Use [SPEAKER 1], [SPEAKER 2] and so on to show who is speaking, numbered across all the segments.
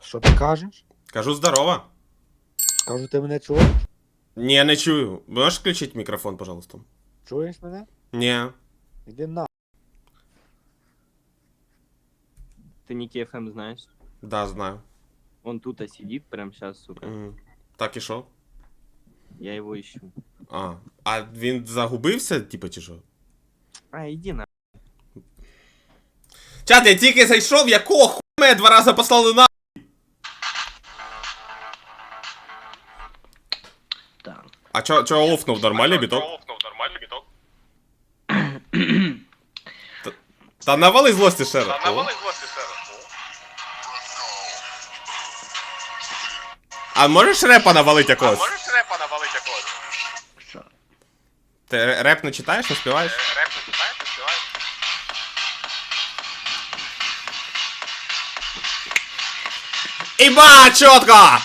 [SPEAKER 1] Що ти кажеш?
[SPEAKER 2] Кажу здорово.
[SPEAKER 1] Кажу, ти мене чуєш?
[SPEAKER 2] Ні, не чую. Можеш включити мікрофон, пожалуйста?
[SPEAKER 1] Чуєш мене?
[SPEAKER 2] Ні.
[SPEAKER 1] Іди на.
[SPEAKER 3] Ты Ники ФМ знаешь?
[SPEAKER 2] Да, знаю.
[SPEAKER 3] Он тут сидит прямо сейчас, сука.
[SPEAKER 2] Так і що?
[SPEAKER 3] Я его ищу.
[SPEAKER 2] А він загубився, типу, чи що?
[SPEAKER 3] А, иди на.
[SPEAKER 2] Чат, я тільки зайшов, якого хуя мене 2 рази послали на...
[SPEAKER 3] Да.
[SPEAKER 2] А чо офнув? Нормальний біток? Та навали злості ще раз. А можеш репа навалить якогось? Ти реп не читаєш, не співаєш? Іба, чітко!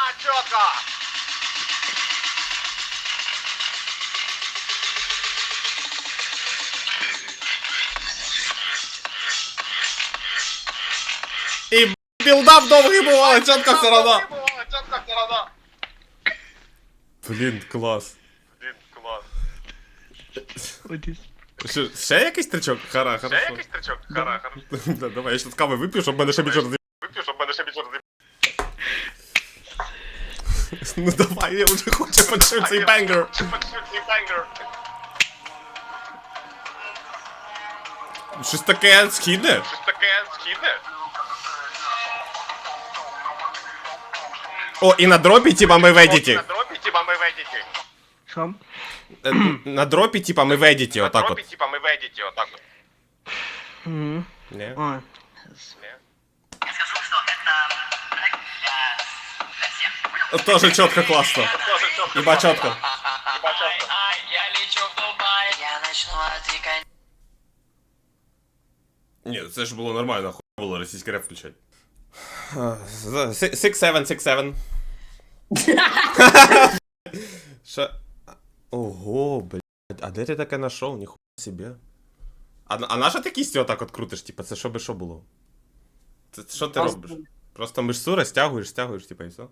[SPEAKER 2] І білдап довгий був, але чітко все одно. Блін, клас. Що, ще якийсь тричок? Хара, хорошо. Да, давай, я щас кави вип'ю, щоб мене ще більше роз'їб. Ну давай, я вже хочу почути цей бенгер. Щось таке східне? О, і на дропі, типа, ми в едіті.
[SPEAKER 3] Шо?
[SPEAKER 2] На дропі, типа, ми в едіті, отак от. Ні?
[SPEAKER 3] Ой.
[SPEAKER 2] Тоже чітко, класно. Іба чітко.
[SPEAKER 4] Я лечу в Дубай. Я начну отвлекать.
[SPEAKER 2] Ні, це ж було нормально, хуй було російський реп включати. 6-7. Що? Ого, блядь, а де ти таке нашов? Ніхуя собі. А наша ти кістю отак от крутиш, типа, це що би що було? Це що ти робиш? Просто мишцу розтягуєш, типа, і все?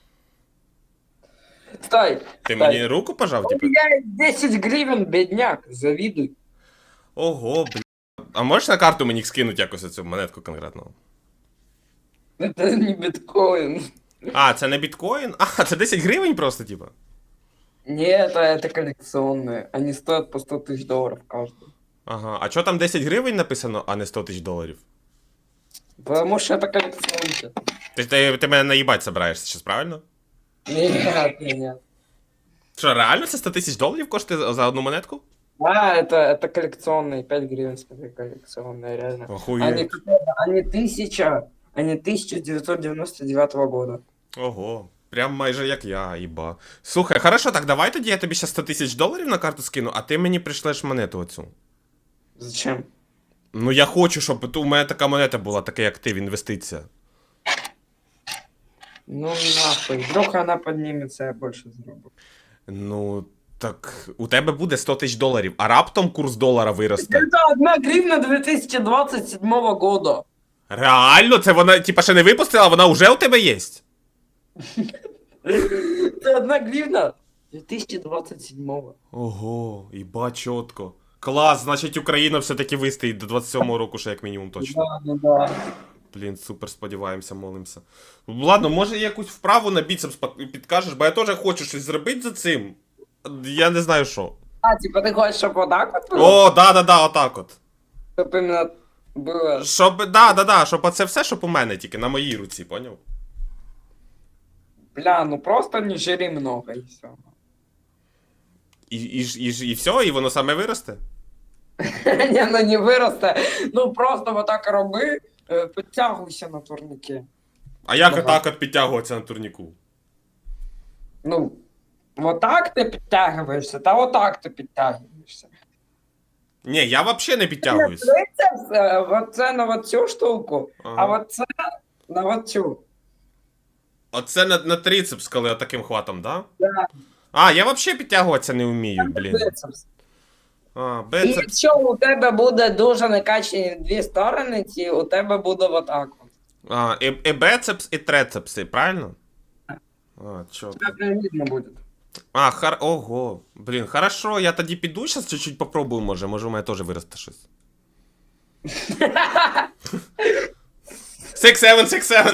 [SPEAKER 5] Стой!
[SPEAKER 2] Ти мені руку пожав,
[SPEAKER 5] У
[SPEAKER 2] типа?
[SPEAKER 5] меня 10 гривен, бедняк, завидуй.
[SPEAKER 2] Ого, блядь. А можеш на карту мені скинути якось цю монетку конкретно?
[SPEAKER 5] Это не биткоин.
[SPEAKER 2] А, це не біткоін? А, це 10 гривень просто, типа?
[SPEAKER 5] Нет, это коллекционные. Они стоят по 100 тысяч долларов каждый.
[SPEAKER 2] Ага, а чо там 10 гривень написано, а не 100 тисяч доларів?
[SPEAKER 5] Потому что это коллекционка.
[SPEAKER 2] Ти мене наїбать собираєшся зараз, правильно?
[SPEAKER 5] Нет.
[SPEAKER 2] Що, реально це 100 тисяч доларів коштує за одну монетку?
[SPEAKER 5] А, это коллекционные, 5 гривен, смотри, коллекционные, реально.
[SPEAKER 2] Охуєть.
[SPEAKER 5] Они 1999 года.
[SPEAKER 2] Ого. Прям майже як я, їба. Слухай, хорошо, так давай тоді я тобі зараз 100 тисяч доларів на карту скину, а ти мені пришлеш монету оцю.
[SPEAKER 5] Зачем?
[SPEAKER 2] Ну я хочу, щоб у мене така монета була, така як ти, в інвестиція.
[SPEAKER 5] Ну нахуй, вдруг она поднимется, я больше заработаю.
[SPEAKER 2] Ну, так у тебе буде 100 тисяч доларів, а раптом курс долара виросте.
[SPEAKER 5] Это 1 гривна 2027 года.
[SPEAKER 2] Реально? Це вона, типа, ще не випустила, вона вже у тебе є?
[SPEAKER 5] Это 1 гривна 2027.
[SPEAKER 2] Ого, їба чітко. Клас, значить Україна все-таки вистоїть до 27-го року, ще як мінімум точно.
[SPEAKER 5] Да.
[SPEAKER 2] Блін, супер, сподіваємося, молимося. Ладно, може якусь вправу на біцепс підкажеш, бо я теж хочу щось зробити за цим. Я не знаю що.
[SPEAKER 5] А, типа ты хочешь, чтобы вот так вот было?
[SPEAKER 2] О, да, отак от.
[SPEAKER 5] Чтобы именно было...
[SPEAKER 2] Щоб, щоб оце все, щоб у мене тільки, на моїй руці, поняв?
[SPEAKER 5] Бля, ну просто не жри много и все.
[SPEAKER 2] І все, і воно саме виросте?
[SPEAKER 5] Не, ну не выросте. Ну просто вот так роби, підтягуйся на турнике.
[SPEAKER 2] А як
[SPEAKER 5] Ага.
[SPEAKER 2] отак от підтягуватися на турніку?
[SPEAKER 5] Ну, вот так ты підтягуєшся, та вот так ти підтягуєшся.
[SPEAKER 2] Ні, я взагалі не підтягуюсь.
[SPEAKER 5] Трицепс, вот це на вот цю штуку, а
[SPEAKER 2] Ага.
[SPEAKER 5] вот це на вот цю.
[SPEAKER 2] Оце на трицепс, коли отаким хватом, да?
[SPEAKER 5] Да.
[SPEAKER 2] А, я взагалі підтягуватися не вмію, блін.
[SPEAKER 5] Трицепс.
[SPEAKER 2] А,
[SPEAKER 5] І
[SPEAKER 2] бицепс.
[SPEAKER 5] якщо у тебе буде дуже накачані дві сторони, ті у тебе буде вот так от.
[SPEAKER 2] А, и бицепс, и трицепсы, правильно? А, чё?
[SPEAKER 5] Тебя прям видно будет.
[SPEAKER 2] А, ого. Блін, хорошо, я тоді піду зараз чуть-чуть попробую, може у мене теж виросте щось. 6-7,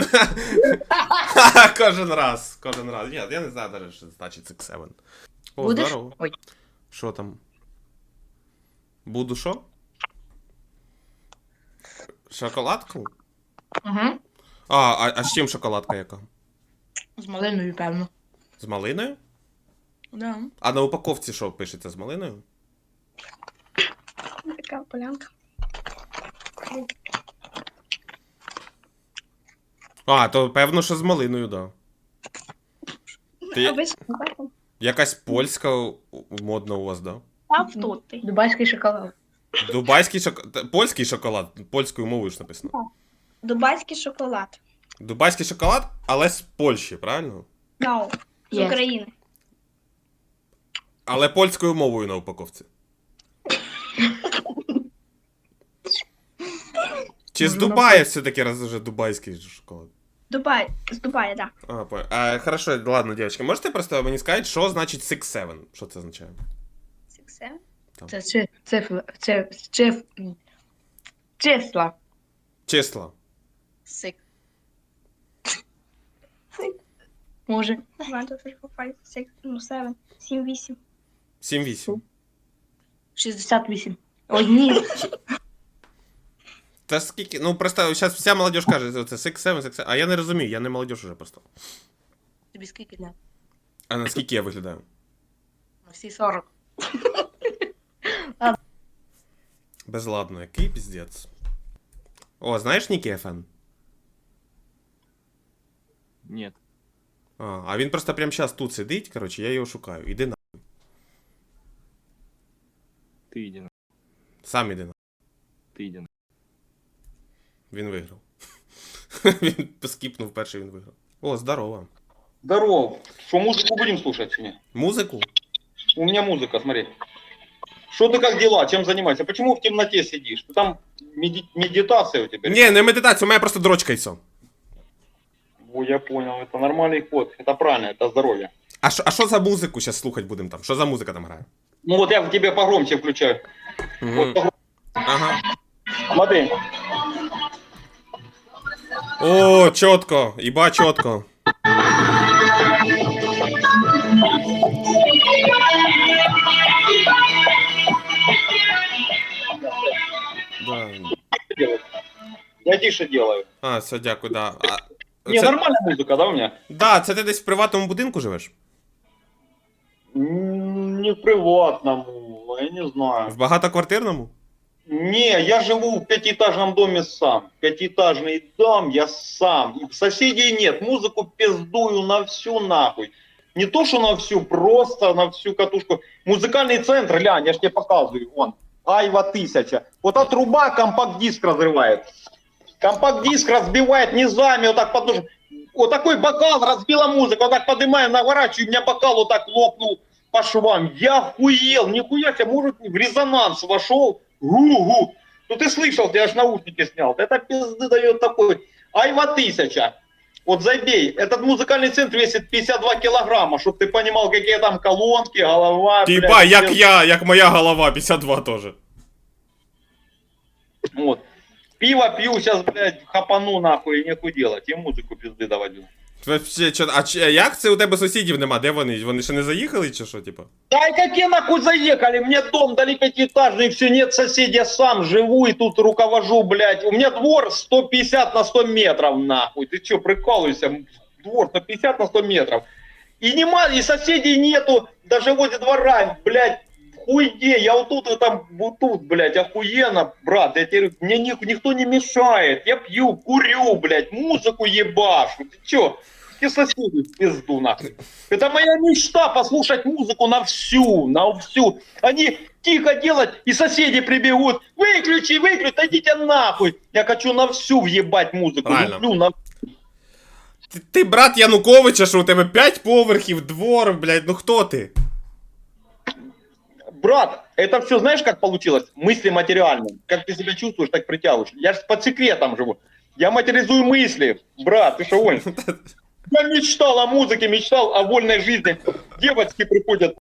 [SPEAKER 2] 6-7. Кожен раз. Ні, я не знаю навіть, що значить 6-7. О,
[SPEAKER 6] Будеш?
[SPEAKER 2] здорово.
[SPEAKER 6] Ой.
[SPEAKER 2] Що там? Буду що? Шоколадку?
[SPEAKER 6] Угу.
[SPEAKER 2] А з чим шоколадка яка?
[SPEAKER 6] З малиною, певно.
[SPEAKER 2] З малиною?
[SPEAKER 6] Да.
[SPEAKER 2] А на упаковці що пишеться з малиною?
[SPEAKER 7] Така полянка.
[SPEAKER 2] А, то певно, що з малиною, да. Ти
[SPEAKER 7] Обично бачимо.
[SPEAKER 2] якась польська модна у вас, да?
[SPEAKER 7] Там тут ти.
[SPEAKER 6] Дубайський шоколад.
[SPEAKER 2] Дубайський шоколад. Польський шоколад, польською мовою ж написано.
[SPEAKER 7] Дубайський шоколад.
[SPEAKER 2] Дубайський шоколад, але з Польщі, правильно?
[SPEAKER 7] No. З
[SPEAKER 6] Є.
[SPEAKER 7] України.
[SPEAKER 2] Але польською мовою на упаковці. Чи з Дубая все-таки раз уже дубайський шоколад?
[SPEAKER 7] Дубай. З Дубая, так.
[SPEAKER 2] А, понял. Хорошо, ладно, девочки, можете просто мені сказати, що значить 6-7? Що це означає?
[SPEAKER 7] Все.
[SPEAKER 6] Це числа.
[SPEAKER 2] Числа.
[SPEAKER 6] Сик. Може.
[SPEAKER 7] 1, 2, 3, 4, 5, 6, 7, 7, 8.
[SPEAKER 2] 7-8.
[SPEAKER 6] 68. Ой, ні.
[SPEAKER 2] Та скільки? Ну просто зараз вся молодь каже, це 6-7, 6-7. А я не розумію, я не молодь уже просто.
[SPEAKER 6] Тобі скільки дня?
[SPEAKER 2] А наскільки я виглядаю?
[SPEAKER 6] На всі 40.
[SPEAKER 2] Безладно, який піздець. О, знаєш Нікі ФН?
[SPEAKER 3] Нет.
[SPEAKER 2] А він просто прямо зараз тут сидить, коротше, я його шукаю. Іди на.
[SPEAKER 3] Ты иди на.
[SPEAKER 2] Сам іди на.
[SPEAKER 3] Ты иди на.
[SPEAKER 2] Він виграв. Він скіпнув перший, він виграв. О, здорово.
[SPEAKER 8] Здорово. Что, музыку будем слушать сегодня?
[SPEAKER 2] Музику?
[SPEAKER 8] У меня музыка, смотри. Что ты, как дела? Чем занимаешься? Почему в темноте сидишь? Ты там медитация у тебя?
[SPEAKER 2] Ні, не медитація, у мене просто дрочка і все.
[SPEAKER 8] О, я понял. Это нормальный ход. Это правильно, это здоровье.
[SPEAKER 2] А що за музику зараз слухати будемо там? Що за музика там грає?
[SPEAKER 8] Ну вот я в тебе погромче включаю.
[SPEAKER 2] Мгм.
[SPEAKER 8] Вот погромче.
[SPEAKER 2] Ага.
[SPEAKER 8] Смотри.
[SPEAKER 2] О, чітко, іба чітко. Да.
[SPEAKER 8] Я тише делаю.
[SPEAKER 2] А, все, дякую, да.
[SPEAKER 8] Не, нормальная музыка, да, у меня?
[SPEAKER 2] Да, це ти десь в приватному будинку живеш?
[SPEAKER 8] Не в приватному, я не знаю.
[SPEAKER 2] В багатоквартирному?
[SPEAKER 8] Не, я живу в пятиэтажном доме сам. Пятиэтажный дом, я сам. И соседей нет. Музыку пиздую на всю нахуй. Не то, что на всю, просто на всю катушку. Музыкальный центр, глянь, я ж тебе показываю. Вон, Айва 1000. Вот эта труба компакт-диск разрывает. Компакт-диск разбивает низами, вот так подножим. Вот такой бокал разбила музыка, вот так поднимаю, наворачиваю, у меня бокал вот так лопнул по швам. Я охуел, нихуя себе, может, в резонанс вошел. Гу-гу. Ну ты слышал, я аж наушники снял. Это пизды дает такой. Айва 1000. Вот забей. Этот музыкальный центр весит 52 килограмма, чтобы ты понимал, какие там колонки, голова.
[SPEAKER 2] Типа,
[SPEAKER 8] блядь,
[SPEAKER 2] як
[SPEAKER 8] все.
[SPEAKER 2] я, як моя голова, 52 теж.
[SPEAKER 8] Вот. Пиво пью, сейчас, блядь, хапану нахуй, и нехуй делать. И музыку пизды доводил.
[SPEAKER 2] Вообще, як це у тебе сусідів нема? Де вони? Вони ще не заїхали чи що, типа?
[SPEAKER 8] Да и какие нахуй заехали? Мне дом дали пятиэтажный, все, нет соседей, я сам живу и тут руковожу, блядь. У меня двор 150 на 100 метров, нахуй. Ты что, прикалываешься? Двор 150 на 100 метров. И нема, и соседей нету, даже возле двора, блядь, хуйне. Я вот тут, и там, вот тут, блядь, охуенно, брат. Я тебе, мне никто не мешает. Я пью, курю, блядь, музыку ебашу. Ты чё? Все соседи в пизду, нахуй. Это моя мечта, послушать музыку на всю, на всю. Они тихо делать, и соседи прибегут. Выключи, идите нахуй. Я хочу на всю въебать музыку.
[SPEAKER 2] Правильно.
[SPEAKER 8] Люблю на...
[SPEAKER 2] Ти брат Януковича, що у тебе 5 поверхів, двор, блядь, ну хто ти?
[SPEAKER 8] Брат, это все знаешь, как получилось? Мысли материальные. Как ты себя чувствуешь, так притягиваешь. Я же под секретом живу. Я материализую мысли. Брат, ты что, Оль? Я мечтал о музыке, мечтал о вольной жизни. Девочки приходят.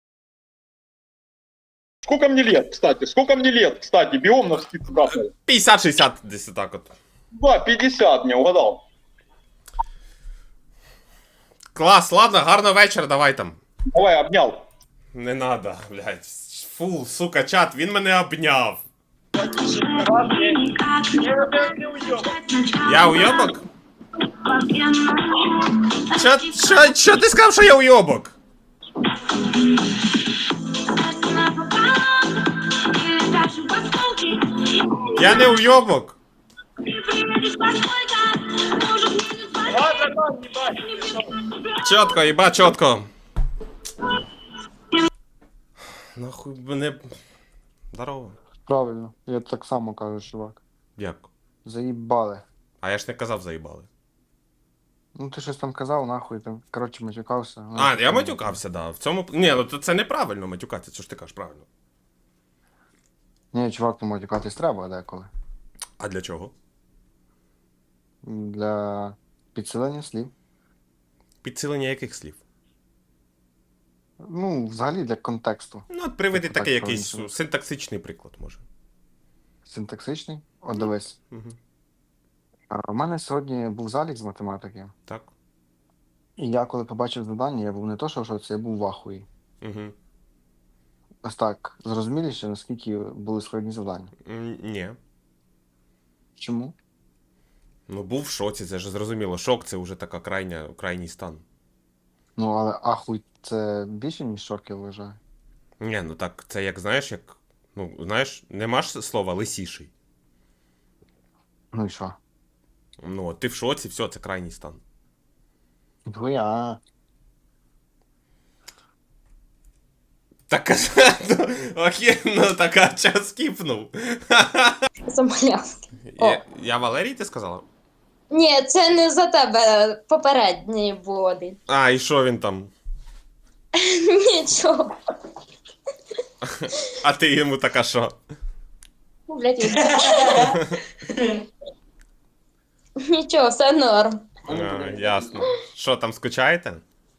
[SPEAKER 8] Сколько мне лет, кстати? Сколько мне лет, кстати? Биом на скидку брат.
[SPEAKER 2] 50-60 десь так от.
[SPEAKER 8] Да, 50 мне угадал.
[SPEAKER 2] Клас, ладно, гарного вечора, давай там.
[SPEAKER 8] Давай, обнял.
[SPEAKER 2] Не надо, блядь. Фу, сука, чат, він мене обняв. Я уйобок? Чо ти сказав, що я уйобок? Я не уйобок. Чітко, їба, чітко. Нахуй мене... Здорово.
[SPEAKER 9] Правильно, я так само кажу, чувак.
[SPEAKER 2] Як?
[SPEAKER 9] Заїбали.
[SPEAKER 2] А я ж не казав заїбали.
[SPEAKER 9] Ну ти щось там казав, нахуй, там, коротше, матюкався.
[SPEAKER 2] А, я матюкався, да. В цьому... Ні, ну це неправильно матюкатися, що ж ти кажеш, правильно.
[SPEAKER 9] Ні, чувак, ну матюкатись треба деколи.
[SPEAKER 2] А для чого?
[SPEAKER 9] Для підсилення слів.
[SPEAKER 2] Підсилення яких слів?
[SPEAKER 9] Ну, взагалі для контексту.
[SPEAKER 2] Ну, от приведи
[SPEAKER 9] Так,
[SPEAKER 2] такий
[SPEAKER 9] так,
[SPEAKER 2] якийсь
[SPEAKER 9] правильно.
[SPEAKER 2] синтаксичний приклад, може.
[SPEAKER 9] Синтаксичний. От дивись.
[SPEAKER 2] Угу.
[SPEAKER 9] У мене сьогодні був залік з математики.
[SPEAKER 2] Так.
[SPEAKER 9] І я коли побачив завдання, я був не то, що в шоці, я був в ахуї.
[SPEAKER 2] Угу.
[SPEAKER 9] Ось так, зрозуміліше, наскільки були складні завдання.
[SPEAKER 2] Ні.
[SPEAKER 9] Чому?
[SPEAKER 2] Ну, був в шоці, це ж зрозуміло. Шок це вже така крайній стан.
[SPEAKER 9] Ну, але ахуй це більше, ніж шок, я вважаю.
[SPEAKER 2] Ні, ну так, це як, знаєш, як... Ну, знаєш, нема ж слова лисіший.
[SPEAKER 9] Ну і що?
[SPEAKER 2] Ну, от ти в шоці, все, це крайній стан.
[SPEAKER 9] Хуя.
[SPEAKER 2] Так, ну, окей, ну так, а час скіпнув.
[SPEAKER 10] Замалявки. О.
[SPEAKER 2] Я Валерій, ти сказала?
[SPEAKER 10] Ні, це не за тебе попередній був один.
[SPEAKER 2] А, і що він там?
[SPEAKER 10] Нічого.
[SPEAKER 2] А ти йому така що?
[SPEAKER 10] Блять, нічого, все норм.
[SPEAKER 2] А, ясно. Що, там скучаєте?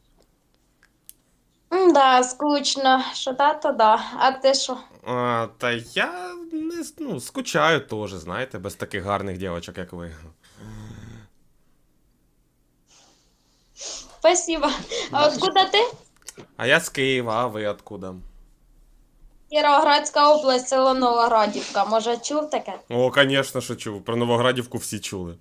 [SPEAKER 10] Да, скучно. Що да, то да. А ти що?
[SPEAKER 2] Та я не ну, скучаю теж, знаєте, без таких гарних дівчаток, як ви.
[SPEAKER 10] Спасибо. А откуда ти?
[SPEAKER 2] А я з Києва, а ви откуда?
[SPEAKER 10] Кіровоградська область, село Новоградівка. Може, чув таке?
[SPEAKER 2] О, звісно, що чув. Про Новоградівку всі чули.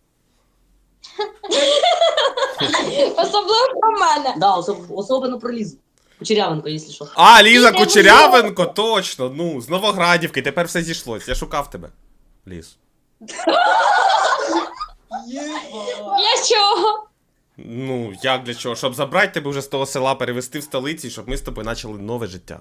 [SPEAKER 10] Особливо про мене.
[SPEAKER 11] Да, особенно про Лизу. Кучерявенко, если что.
[SPEAKER 2] А, Ліза Кучерявенко, точно, ну, з Новоградівки, тепер все зійшлось. Я шукав тебе, Ліз.
[SPEAKER 10] Для чого?
[SPEAKER 2] Ну, як для чого? Щоб забрати тебе вже з того села, перевезти в столиці, щоб ми з тобою почали нове життя.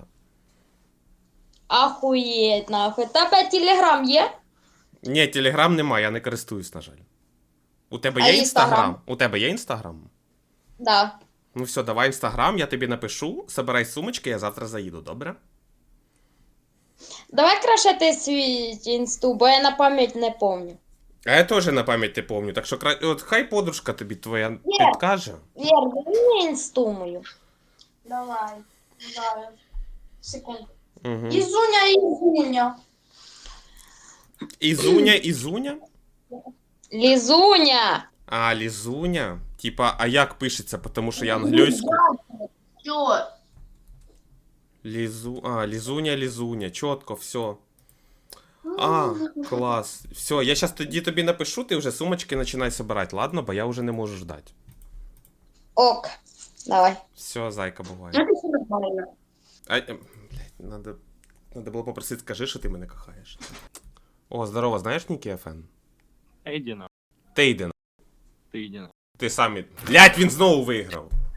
[SPEAKER 10] Ахуєть, нахуй. Тебе телеграм є?
[SPEAKER 2] Ні, телеграм нема, я не користуюсь, на жаль. У тебе
[SPEAKER 10] А
[SPEAKER 2] є
[SPEAKER 10] Інстаграм?
[SPEAKER 2] інстаграм? У тебе є інстаграм?
[SPEAKER 10] Да.
[SPEAKER 2] Ну все, давай інстаграм, я тобі напишу, собирай сумочки, я завтра заїду, добре?
[SPEAKER 10] Давай краще ти свій інсту, бо я на пам'ять не помню.
[SPEAKER 2] А я теж на пам'ять не помню, так що от хай подружка тобі твоя
[SPEAKER 10] Ні.
[SPEAKER 2] підкаже.
[SPEAKER 10] Вер, дай мені інсту мою. Давай. Зараз. Секунду.
[SPEAKER 2] Угу.
[SPEAKER 10] Ізуня.
[SPEAKER 2] Ізуня?
[SPEAKER 10] Лізуня.
[SPEAKER 2] А, Лізуня? Типа, а як пишеться, тому що я англійську?
[SPEAKER 10] Що?
[SPEAKER 2] Лізуня, чітко, все. А, клас. Все, я зараз тоді тобі напишу, ти вже сумочки починай собирати, ладно? Бо я вже не можу ждати.
[SPEAKER 10] Ок. Давай.
[SPEAKER 2] Все, зайка, буває. Блядь, надо було попросити, скажи, що ти мене кохаєш. О, здорово, знаєш Нікі ФН?
[SPEAKER 3] Иди на.
[SPEAKER 2] Ти йди на.
[SPEAKER 3] Ты иди на.
[SPEAKER 2] Ти сам. Блядь, він знову виграв.